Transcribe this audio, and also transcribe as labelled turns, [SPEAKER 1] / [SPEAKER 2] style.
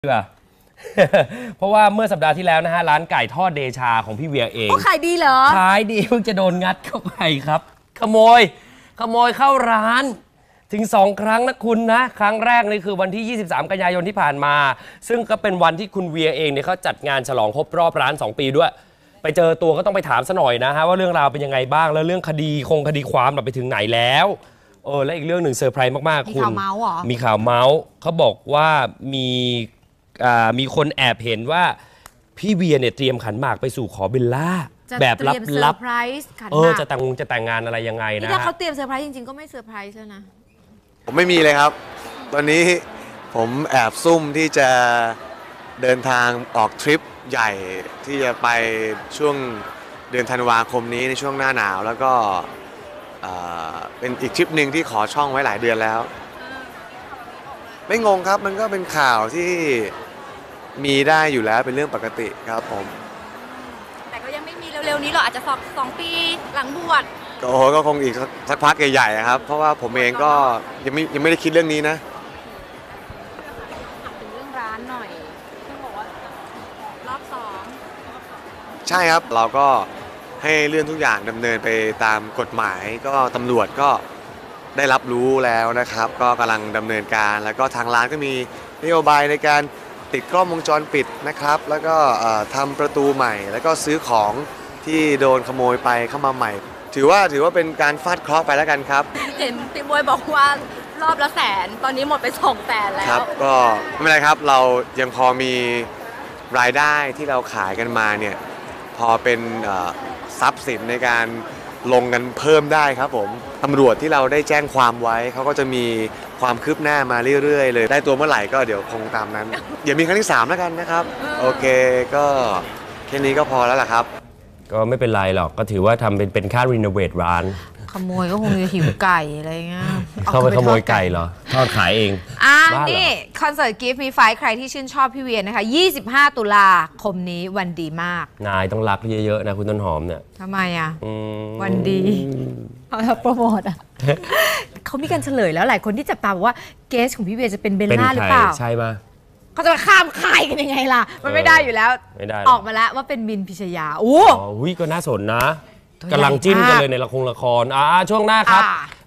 [SPEAKER 1] เพราะว่าเมื่อสัปดาห์ที่แล้วนะฮะร้านไก่ทอดเดชาของพี่เวียเอง
[SPEAKER 2] ขายดีเหรอ
[SPEAKER 1] ขายดีเพิ่งจะโดนงัดเข้าไปครับขโมยเข้าร้านถึง2 ครั้งนะคุณนะครั้งแรกนี่คือวันที่23 กันยายนที่ผ่านมาซึ่งก็เป็นวันที่คุณเวียเองเนี่ยเขาจัดงานฉลองครบรอบร้าน2 ปีด้วยไปเจอตัวก็ต้องไปถามซะหน่อยนะฮะว่าเรื่องราวเป็นยังไงบ้างแล้วเรื่องคดีความไปถึงไหนแล้วและอีกเรื่องหนึ่งเซอร์ไพรส์มากๆคุณมีข่าวเมาส์เหรอมีข่าวเมาส์เขาบอกว่ามีคนแอบเห็นว่าพี่เวียเนี่ยเตรียมขันหมากไปสู่ขอเบลล่าแบบลับๆจะแต่งงานอะไรยังไงนะ
[SPEAKER 2] ถ้าเขาเตรียมเซอร์ไพรส์จริงๆก็ไม่เซอร์ไพรส์แล้วนะ
[SPEAKER 3] ผมไม่มีเลยครับตอนนี้ผมแอบซุ่มที่จะเดินทางออกทริปใหญ่ที่จะไปช่วงเดือนธันวาคมนี้ในช่วงหน้าหนาวแล้วก็เป็นอีกทริปหนึ่งที่ขอช่องไว้หลายเดือนแล้วไม่งงครับมันก็เป็นข่าวที่มีได้อยู่แล้วเป็นเรื่องปกติครับผม
[SPEAKER 2] แต่ก็ยังไม่มีเร็วๆนี้หรอกอาจจะ2 ปีหลังบวช
[SPEAKER 3] ก็คงอีกสักพักใหญ่ๆครับเพราะว่าผมเองก็ยังไม่ได้คิดเรื่องนี้นะ
[SPEAKER 2] ถามถึงเรื่องร้านหน่อยที่บอกว่ารอบ2
[SPEAKER 3] ใช่ครับเราก็ให้เรื่องทุกอย่างดำเนินไปตามกฎหมายก็ตำรวจก็ได้รับรู้แล้วนะครับก็กำลังดำเนินการแล้วก็ทางร้านก็มีนโยบายในการติดกล้องวงจรปิดนะครับแล้วก็ทำประตูใหม่แล้วก็ซื้อของที่โดนขโมยไปเข้ามาใหม่ถือว่าเป็นการฟาดเคราะห์ไปแล้วกันครับ
[SPEAKER 2] เห็นพี่บวยบอกว่ารอบละ100,000ตอนนี้หมดไป200,000แล้ว
[SPEAKER 3] ครับก็ไม่เป็นไรครับเรายังพอมีรายได้ที่เราขายกันมาเนี่ยพอเป็นทรัพย์สินในการลงกันเพิ่มได้ครับผมตำรวจที่เราได้แจ้งความไว้เขาก็จะมีความคืบหน้ามาเรื่อยๆเลยได้ตัวเมื่อไหร่ก็เดี๋ยวคงตามนั้นอย่ามีครั้งที่3แล้วกันนะครับโอเคก็แค่นี้ก็พอแล้วล่ะครับ
[SPEAKER 1] ก็ไม่เป็นไรหรอกก็ถือว่าทำเป็นค่ารีโนเวทร้าน
[SPEAKER 2] ขโมยก็คงจะหิวไก่อะไรเงี้ย
[SPEAKER 1] เข้าไปขโมยไก่เหรอทอดขายเอง
[SPEAKER 2] นี่คอนเสิร์ต Give Me 5ใครที่ชื่นชอบพี่เวียนะคะ25 ตุลาคมนี้วันดีมาก
[SPEAKER 1] นายต้องรักเยอะๆนะคุณต้นหอมเนี่ย
[SPEAKER 2] ทำไมวันดีโปรโมทเขามีการเฉลยแล้วหลายคนที่จับตาบอกว่าเกสของพี่เวียจะเป็นเบลล่าหรือเปล่า
[SPEAKER 1] ใช่ปะ
[SPEAKER 2] เขาจะมาข้ามค่ายกันยังไงล่ะมันไม่ได้อยู่แล้วออกมาแล้วว่าเป็นมินพิชยา
[SPEAKER 1] ก็น่าสนนะกำลังจิ้นกันเลยในละครช่วงหน้าครับ